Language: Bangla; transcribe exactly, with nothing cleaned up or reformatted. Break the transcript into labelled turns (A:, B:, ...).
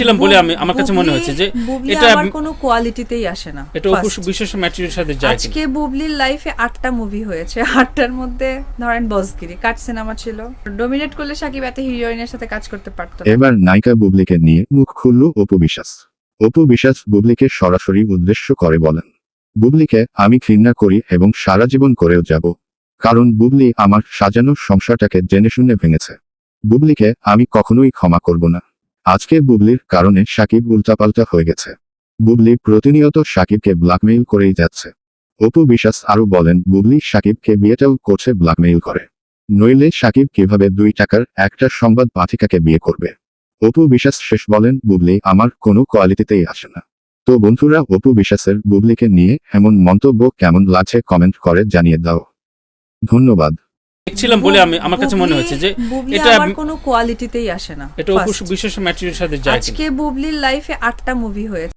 A: দেখছিলাম বলে আমি আমার কাছে মনে হচ্ছে যে
B: এটা আমার কোনো কোয়ালিটিতেই আসে না।
A: এটা অপু বিশেষ ম্যাটেরিয়ালের সাথে যায়।
B: আজকে বুবলির লাইফে আটটা মুভি হয়েছে, আটটার মধ্যে ধরেন বসগিরি, কাট সিনেমা ছিল, ডমিনেট করলে সাকিব এত হিরোইনের সাথে কাজ করতে পারতো না।
C: এবার নায়িকা বুবলিকে নিয়ে মুখ খুলল অপু বিশ্বাস। অপু বিশ্বাস বুবলিকে সরাসরি উদ্দেশ্য করে বলেন, বুবলিকে আমি ঘৃণা করি এবং সারা জীবন করেও যাব, কারণ বুবলি আমার সাজানো সংসারটাকে জেনে শুনে ভেঙেছে। বুবলিকে আমি কখনোই ক্ষমা করব না। আজকে বুবলির কারণে সাকিব উল্টাপাল্টা হয়ে গেছে। বুবলি প্রতিনিয়ত সাকিবকে ব্ল্যাকমেইল করেই যাচ্ছে। অপু বিশ্বাস আরও বলেন, বুবলি সাকিবকে বিয়েটাও করছে ব্ল্যাকমেইল করে, নইলে সাকিব কিভাবে দুই টাকার একটা সংবাদ পাঠিকাকে বিয়ে করবে। অপু বিশ্বাস শেষ বলেন, বুবলি আমার কোনো কোয়ালিটিতেই আসে না। তো বন্ধুরা, অপু বিশ্বাসের বুবলিকে নিয়ে এমন মন্তব্য কেমন লাগছে কমেন্ট করে জানিয়ে দাও। ধন্যবাদ।
A: দেখছিলাম বলে আমি আমার কাছে মনে হচ্ছে যে
B: এটা আমার কোনো কোয়ালিটিতেই আসে না।
A: এটা অপু বিশেষ ম্যাটেরিয়ালের সাথে যায়।
B: আজকে বুবলির লাইফে আটটা মুভি হয়েছে।